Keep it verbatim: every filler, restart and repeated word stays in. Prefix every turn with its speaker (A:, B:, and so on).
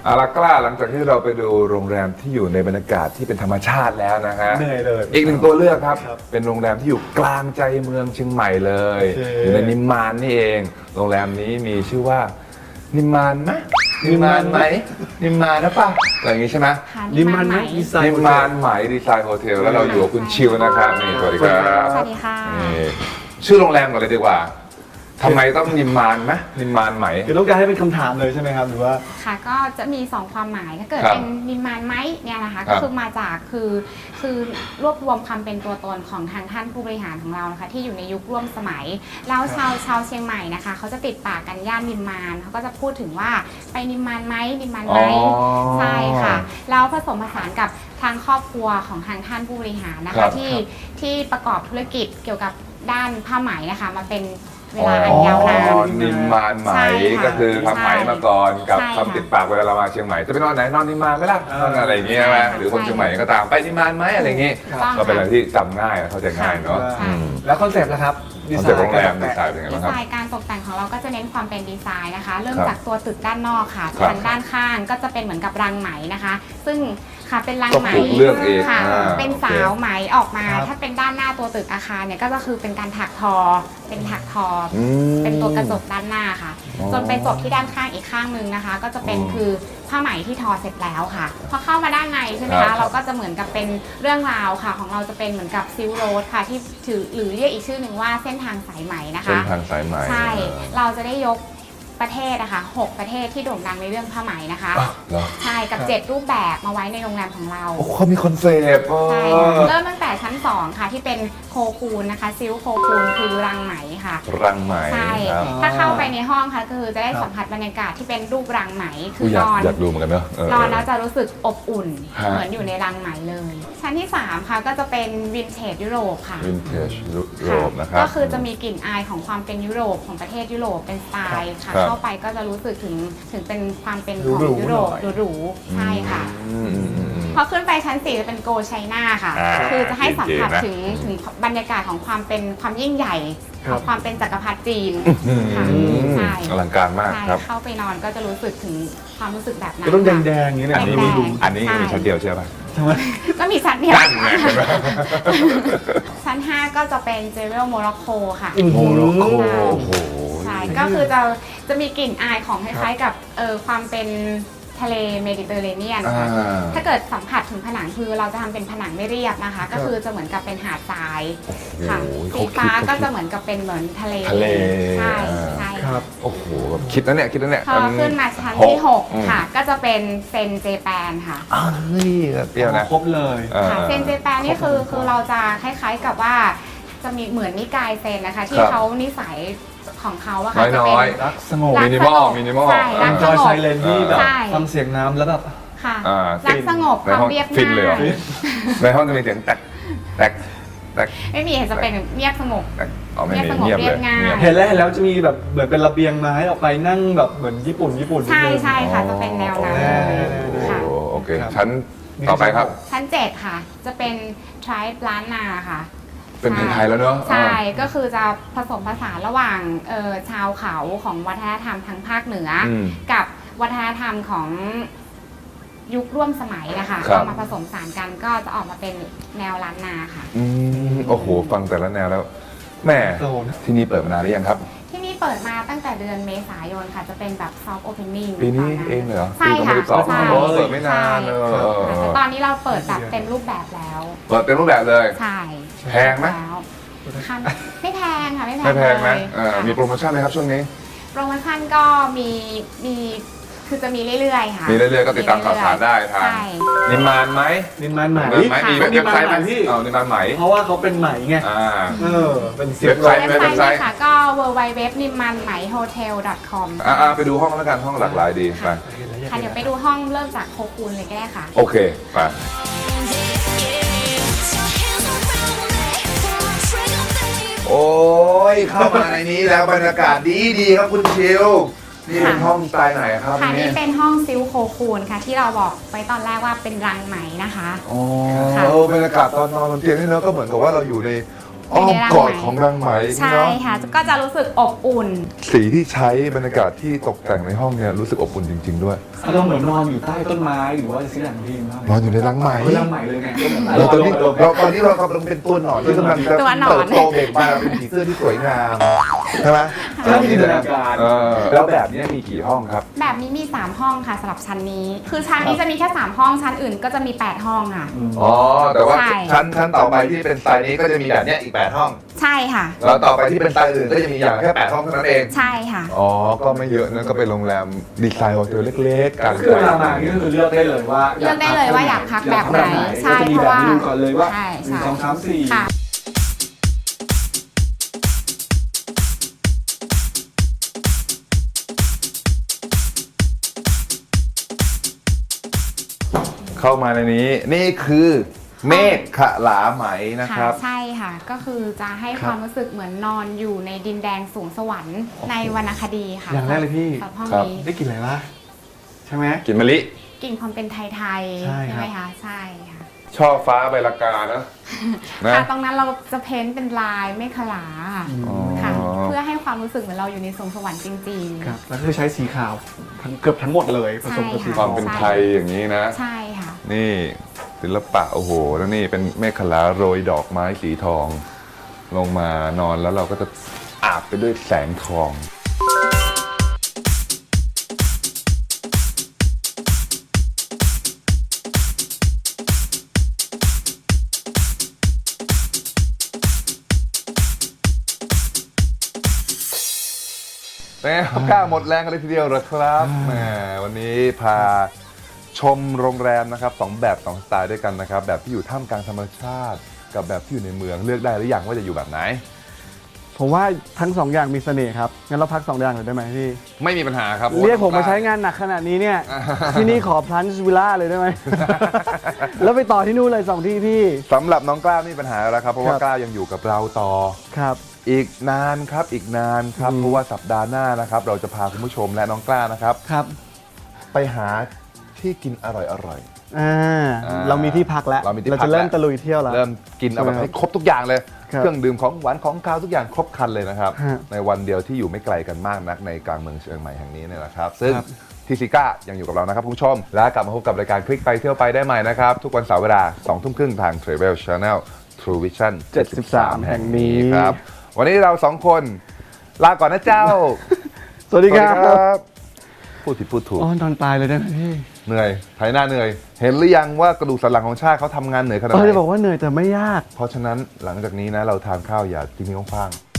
A: เอาละกล้าหลังจากที่เราไปดูโรงแรมที่อยู่ในบรรยากาศที่เป็นธรรมชาติแล้วนะฮะ
B: เหนื่อยเลย
A: อีกหนึ่งตัวเลือกครับ
B: ครับ
A: เป็นโรงแรมที่อยู่กลางใจเมืองเชียงใหม่เลย
B: โอเค
A: อยู่ในนิมมานนี่เอง โรงแรมนี้มีชื่อว่านิมมานไหมนิมมานไหมนิมมานนะป่ะอะไรอย่างงี้ใช่ไหม
C: ค่ะ
B: นิมมานไหมดีไซน์
A: นิมมานไหมดีไซน์โฮเทลแล้วเราอยู่กับคุณชิวนะครับนี่สวัสดีครับ
C: สวัสดีค่ะ
A: นี่ชื่อโรงแรมก่อนเลยดีกว่าทำไมต้องนิมมานไหมนิมมานไหม
B: คือต้องการให้เป็นคำถามเลยใช่ไหมครับหรือว่า
C: ค่ะก็จะมีสองความหมายถ้าเกิด
A: ครับ
C: เป็นนิมมานไหมเนี่ยนะคะ
A: ครั
C: ก็
A: บ
C: คือมาจากคือคือรวบรวมความเป็นตัวตนของทางท่านผู้บริหารของเรานะคะที่อยู่ในยุคร่วมสมัยแล้วชาวชาวเชียงใหม่นะคะเขาจะติดปากกันย่านนิมมานเขาก็จะพูดถึงว่าไปนิมมานไหมนิมมานไหม
A: อ๋อ
C: ใช่ค่ะแล้วผสมผสานกับทางครอบครัวของทางท่านผู้บริหารนะ
A: ครั
C: คะ
A: บ
C: ที่ที่ประกอบธุรกิจเกี่ยวกับด้านผ้าไหมนะคะมาเป็นเวลาอันยาวนาน
A: อ๋อนิมมานไหม
C: ใช่ค่ะ
A: ก็คือทำไหมมาก่อนกับ
C: ใช่ค่ะ
A: คำติดปากเวลาเรามาเชียงใหม่จะไปนอนไหนนอนนิมมานไหมล่ะนอนอะไรอย่างเงี้ยไหม
C: ใช่ค่ะ
A: หรือคนเชียงใหม่ก็ตามไปนิมมานไหมอะไรอย่างงี้
C: ถูกต้อง
A: ก็เป็นอะไรที่จำง่ายและเข้าใจง่ายเนาะ
C: ใช่
A: อืม
B: แล้วคอนเซปต์นะครับ
A: คอนเซ็ปต์โรงแรมดีไซน์เป็นไง
C: ดี
A: บ้างค
C: ไซ
A: รับ
C: น์การตกแต่งของเราก็จะเน้นความเป็นดีไซน์นะคะ เริ่ม
A: ครับ
C: จากตัวตึกด้านนอกค่ะ
A: ครับ
C: ทางด้านข้างก็จะเป็นเหมือนกับรังไหมนะคะ ซึ่งค่ะเป็นรัง
A: ต้อง
C: ไหม
A: ปลูกเลือกเอง
C: ค่ะ
A: อ่า
C: เป็น
A: โอเค
C: สาวไหมออกมา
B: ครับ
C: ถ้าเป็นด้านหน้าตัวตึกอาคารเนี่ยก็คือเป็นการถักทอ เป็นถักทออ
A: อืม
C: เป็นตัวกระจกด้านหน้าค่ะ
A: อ๋อ
C: จนไปจบที่ด้านข้างอีกข้างหนึงนะคะ ก็จะเป็น
A: อืม
C: คือผ้าไหมที่ทอเสร็จแล้วค่ะ พอเข้ามาด้านในใช่ไหม
A: ครั
C: คะ
A: บ
C: เราก็จะเหมือนกับเป็นเรื่องราวค่ะ ของเราจะเป็นเหมือนกับซิลโรดค่ะที่ถือหรือเรียกอีกชื่อหนึ่งว่าเส้นทางสายไหมนะคะ
A: เส้นทางสายไหม
C: ใช่ เราจะได้ยกประเทศนะคะหกประเทศที่โด่งดังในเรื่องผ้าไหมนะคะ
A: อ่ะเหรอ
C: ใช่ กับ
B: ครับ
C: เจ็ดรูปแบบมาไว้ในโรงแรมของเรา
A: โอ้เขามีคอนเซปต์
C: ใช่
A: เอ
C: ค่ะ
A: อ
C: เริ่มตั้งแต่ชั้นสองค่ะที่เป็นโคคูนนะคะ ซิลโคคูนคือรังไหมค่ะ
A: รังไหม
C: ใช่
A: ครับ
C: ถ้าเข้าไปในห้องค่ะก็คือจะได้
B: ครับ
C: สัมผัสบรรยากาศที่เป็นรูปรังไหม คื
A: ผู้
C: อ
A: อยาน ก
C: อน
A: อยากดูเหมือนกันเนอะเออน
C: อนแล้วจะรู้สึกอบอุ่น
A: ฮะ
C: เหมือนอยู่ในรังไหมเลย ชั้นที่สามค่ะก็จะเป็นวินเทจยุโรปค่ะ
A: วินเทจยุโรปนะครับ
C: ก็คือจะมีกลิ่นอายของความเป็นยุโรปของประเทศยุโรปเป็นสไตล์ค่ะ
A: ครับ
C: เข้าไปก็จะรู้สึกถึงถึงเป็นความเป็นของ
B: หรูๆ
C: ยุโรป
B: หน่อย
C: หรูๆใช่ค่ะ
A: อืมอืมอืมอืม
C: พอขึ้นไปชั้นสี่จะเป็นโกไชน่าค่ะ
A: อ่า
C: คือจะให้สัมผัส
A: เก๋ๆนะ
C: ถึงถึงบรรยากาศของความเป็นความยิ่งใหญ่
B: ครั
C: ขอบ งความเป็นจักรพรรดิจีน
A: อืม
C: ค่ะใช่
A: อลังการมาก
C: ใช่
A: ครับ
C: เข้าไปนอนก็จะรู้สึกถึงความรู้สึกแบบนั้น
B: ก็ต้อง
C: ค่ะ
B: แดงๆอย่างนี้เนี่ย
A: อันนี้
C: แด
A: มี
C: งๆ
A: อันนี้มี
C: ใช่
A: ชั้นเดียวใช่ไหม
B: ทำไม
C: ก็มีชั้นเดียว
A: นั่นไงเห็นไหม
C: ชั้นห้าก็จะเป็นเจเวลโมร็อกโกค่ะ
B: อืม
A: โมร็อกโกโอ้โห
C: ใช่ ก็คือจะจะมีกลิ่นอายของคล้ายๆกับเออความเป็นทะเลเมดิเตอร์เรเนียน
A: อ่า
C: ค่ะถ้าเกิดสัมผัสถึงผนังคือเราจะทำเป็นผนังไม่เรียบนะคะ ก็คือจะเหมือนกับเป็นหาดทรายค่ะ
A: โอ้โห
C: สีฟ้า
A: เขาคิด
C: ก็จะเหมือนกับเป็นเหมือนทะเล
A: ทะเล
C: ใช่
A: อ่า
C: ใช่
B: ครับ
A: โอ้โหแบบคิดแล้วเนี่ยคิดแล้วเนี่ย
C: พอขึ้นมาชั้นที่หกค่ะ ก็จะเป็นเซนเจแปนค่ะ
A: อ้าวนี่เปรี้ยวนะ
B: ครบเลย
A: อ่า
C: ค่ะเซนเจแปนนี่คือคือเราจะคล้ายๆกับว่าจะมีเหมือนนิกายเซนนะคะ ที่
A: ครับ
C: เขานิสัยของเขาอะค่ะจะ
A: น้
C: เป็
A: อย
C: น
B: รักสงบ
C: รัก
A: มินิมอลมินิมอล
C: ใช่รั
B: อั
C: ก
B: น
C: ส
B: จอย
C: ง
B: ไซ
C: บ
B: เลนที่แบบ
C: ใช่
B: ฟังเสียงน้ำแล้วแบบ
C: ค่ะ
A: อ่า
C: รักสงบ
A: ใน
C: ความ
A: ห้อง
C: เรียบ
A: ฟินเลยเหรอ
C: ง่าย
A: ในห้องจะมีเสียงแตกแตกแตก
C: ไม่มีจะเป็นเงียบสงบ
A: แตกอ๋อไม่มี
C: เงี
A: เงีย
C: ย
A: บบ
C: สงบ
A: เลย
C: เรียบง่าย
A: เงียบ
B: เห็นแล้วเห็นแล้วจะมีแบบเหมือนเป็นระเบียงไม้ออกไปนั่งแบบเหมือนญี่ปุ่นญี่ปุ่นนิด
C: ใช่
B: นึง
C: ใช่ค่ะ จะเป็นแนวนั้น
B: แน่
A: โอ้
C: ค่ะ
A: โอเค
B: ครับ
A: ชั้นต่อไปครับ
C: ชั้นเจ็ดค่ะ จะเป็นทริปล้านนาค่ะ
A: เป็นไทยๆแล้วเนอะ
C: ใช่
A: อ่า
C: ก็คือจะผสมผสานระหว่างเอ่อชาวเขาของวัฒนธรรมทางภาคเหนืออ
A: ม
C: กับวัฒนธรรมของยุคร่วมสมัยนะคะ
A: ครับ
C: เอามาผสมสานกันก็จะออกมาเป็นแนวล้านนาค่ะ
A: อืมโอ้โห ฟังแต่ละแนวแล้วแหม่
B: โซน
A: ที่นี่เปิดมานานหรือยังครับ
C: ที่นี่เปิดมาตั้งแต่เดือนเมษายนค่ะ จะเป็นแบบซอฟต์โอเพนนิ่ง
A: ปีนี้เองเหรอ
C: ใช่
A: ปี
C: ค่ะ
A: สองพันสิบสอง
C: ใช่
A: โอ้เปิดไม่นานเออ
C: ใช่
A: เออ
C: ค่ะ
A: เอ
C: แต่
A: อ
C: ตอนนี้เราเปิดแบบเต็มรูปแบบแล้ว
A: เปิดเต็มรูปแบบเลย
C: ใช่
A: แพงไหม
C: แล้วค่ะไม่แพงค่ะไม่แพง
A: ไม่แพงนะ
C: เลย
A: เออ
C: ค่ะ
A: มีโปรโมชั่นไหมครับช่วงนี้
C: โปรโมชั่นก็มีมีคือจะมีเรื่อยๆค่ะ
A: มีเรื่อยๆก็ติดตามข่าวสารได้ทาง
C: ใช่
A: นิมมานไหม
B: นิมมันไหม
A: นิมมานไหมมีเว็บไซต์ไหม
B: พี่
A: เอานิมมานไหม
B: เพราะว่าเขาเป็นไหมไง
A: อ่า
B: เออ เป็นเสียง
A: เว็บไซต์
C: เว็บไซต์เนี่ยค่ะก็ ดับเบิลยู ดับเบิลยู ดับเบิลยู ดับเบิลยู ดอท นิมมันไหมโฮเทล ดอท คอม
A: อ่าๆไปดูห้องแล้วกันห้องหลากหลายดีไป
C: ค่ะเดี๋ยวไปดูห้องเริ่มจากโคคูนเลยก็ได้ค่ะ
A: โอเคไปโอ้ยเข้ามาในนี้แล้วบรรยากาศดีดีๆครับคุณชิวนี่เป็นห้องสไตล์ไหนครับ
C: ค่ะ
A: นี่
C: นี่เป็นห้องซิลโคคูนค่ะ ที่เราบอกไว้ตอนแรกว่าเป็นรังไหมนะคะ
A: อ๋อ
C: ค่ะ
A: เออบรรยากาศตอนนอนบนเตียงนี่เนอะก็เหมือนกับว่าเราอยู่ในออ้อม
C: ในรัง
A: กอด
C: ไหม
A: ของรังไหม
C: ใช่
A: เนาะ
C: ค่ะ ก็จะรู้สึกอบอุ่น
A: สีที่ใช้บรรยากาศที่ตกแต่งในห้องเนี่ยรู้สึกอบอุ่นจริง ๆ ด้วย
B: เราเหมือนนอนอยู่ใต้ต้นไม้หรือว่าสิ่งอย่างที่มาก
A: นอนอยู่ในรังไหม
B: เรื่องใหม่เลยไง
A: เราตอนนี้เราตอนนี้เรากำลังเป็นตัวหนอนที่กำลังจะ
C: ตัวหนอน
A: เติบโตเบ่งบานเป็นผีเสื้อที่สวยงามใช่ไหม
B: ใช่จินตนาการ
A: เออแล้วแบบนี้มีกี่ห้องครับ
C: แบบนี้มี สาม ห้องค่ะสำหรับชั้นนี้ คือชั้นนี้จะมีแค่ สาม ห้อง ชั้นอื่นก็จะมี แปด ห้องค่ะ
A: อ๋อ แต่ว่า
C: ใช่
A: ชั้นชั้นต่อไปที่เป็นสไตล์นี้ก็จะมีแบบเนี้ยอีกแปดห้อง
C: ใช่ค่ะ
A: แล้วต่อไปที่เป็นสไตล์อื่นก็จะมีอย่างแค่แปดห้องเท่านั้นเอง
C: ใช่ค่ะ
A: อ๋อ ก็ไม่เยอะนะ ก็เป็นโรงแรมดีไซน์โฮเทลเล็กๆกลาง
B: คือเวลามานี่ก็คือเลือกได้เลยว่า
C: เลือกได้เลยว่าอยากพักแบบไหนใช่
B: ก็จะมี
C: เพ
B: แบบ
C: ราะว่า
B: เมนูก่อนเลยว่า
C: ใช่
B: หนึ่ง
C: ใช่
B: สองสามสี่
C: ค่ะ
A: เข้ามาในนี้ นี่คือเมฆขลาไหมนะครับ
C: ใช่ค่ะ ก็คือจะให้
A: ครับ
C: ความรู้สึกเหมือนนอนอยู่ในดินแดนสูงสวรรค์ในวรรณคดีค่ะ
B: อย่างแรกเลยพี่
C: สำหรับห้อง
A: ครับ
C: นี้
B: ได้กลินอะไรวะใช่ไหม
A: กินมะลิ
C: กลิ่นความเป็นไทย
B: ใช่
C: ๆ
B: ครับ
C: ไหมคะ ใช่ค่ะ
A: ช่อฟ้าใบละกานะนะ
C: ค่ะ ตรงนั้นเราจะเพ้นท์เป็นลายเมฆขลาค่ะ
A: อ๋อ
C: ค่ะ เพื่อให้ความรู้สึกเหมือนเราอยู่ในสวงสวรรค์จริง
B: ครับแล้วคือใช้สีขาวทั้งเกือบทั้งหมดเลยผสมกับสี
A: ความเป็นไทยอย่างนี้นะ
C: ๆ ใช่ค่ะ
A: นี่ศิลปะโอ้โห แล้วนี่เป็นเมฆขลาโรยดอกไม้สีทอง ลงมานอนแล้วเราก็จะอาบไปด้วยแสงทอง เป็นไงครับกล้าหมดแรงกันเลยทีเดียวเหรอครับแหมวันนี้พาชมโรงแรมนะครับสองแบบสองสไตล์ด้วยกันนะครับ แบบที่อยู่ท่ามกลางธรรมชาติ กับแบบที่อยู่ในเมืองเลือกได้หรือยังว่าจะอยู่แบบไหน
B: ผมว่าทั้งสองอย่างมีเสน่ห์ครับงั้นเราพักสองอย่างเลยได้ไหมพี่
A: ไม่มีปัญหาครับ
B: เรียกผมมาใช้งานหนักขนาดนี้เนี่ย ที่นี่ขอพลันช์วิลล่าเลยได้ไหม แล้วไปต่อที่นู่นเลยสองที่พี่
A: สำหรับน้องกล้าไม่มีปัญหาแล้วครับเพราะว่า
B: ครับ
A: กล้ายังอยู่กับเราต่อ
B: ครับ
A: อีกนานครับอีกนานครับ
B: อืม
A: เพราะว่าสัปดาห์หน้านะครับ เราจะพาคุณผู้ชมและน้องกล้านะครับ
B: ครับ
A: ไปหาที่กินอร่อย
B: อ่า
A: อ่า
B: เรามีที่พักแล้ว
A: เรามีที่พัก
B: จะเริ่ม
A: แล้ว
B: ตะลุยเที่ยวแล้ว
A: ๆ เริ่มกินเอาแบบ
B: ใช่ไหม
A: ให้ครบทุกอย่างเลย
B: ครับ
A: เครื่องดื่มของหวานของคาวทุกอย่างครบครันเลยนะครับ
B: ฮะ
A: ในวันเดียวที่อยู่ไม่ไกลกันมากนักในกลางเมืองเชียงใหม่แห่งนี้เนี่ยนะครับ ซึ่ง
B: ครับ
A: ทีซิก้ายังอยู่กับเรานะครับคุณผู้ชม และกลับมาพบกับรายการคลิกไปเที่ยวไปได้ใหม่นะครับ ทุกวันเสาร์เวลาสองทุ่มครึ่งทาง Travel Channel True Vision เจ็ดสิบสาม แห่งนี้ครับ วันนี้เราสองคนลาก่อนนะเจ้า
B: สวัสดีครับ
A: บพูดผิดพูดถูก
B: อ๋อนอนตายเลยได้ไหมพี่
A: เหนื่อยไถหน้าเหนื่อย เห็นหรือยังว่ากระดูกสันหลังของชาติเขาทำงานเหนื่อยขนาด
B: เอ
A: ไห
B: อน จะบอกว่าเหนื่อยแต่ไม่ยาก
A: เพราะฉะนั้นหลังจากนี้นะเราทานข้าวอย่าทิ้งท้องคว้าง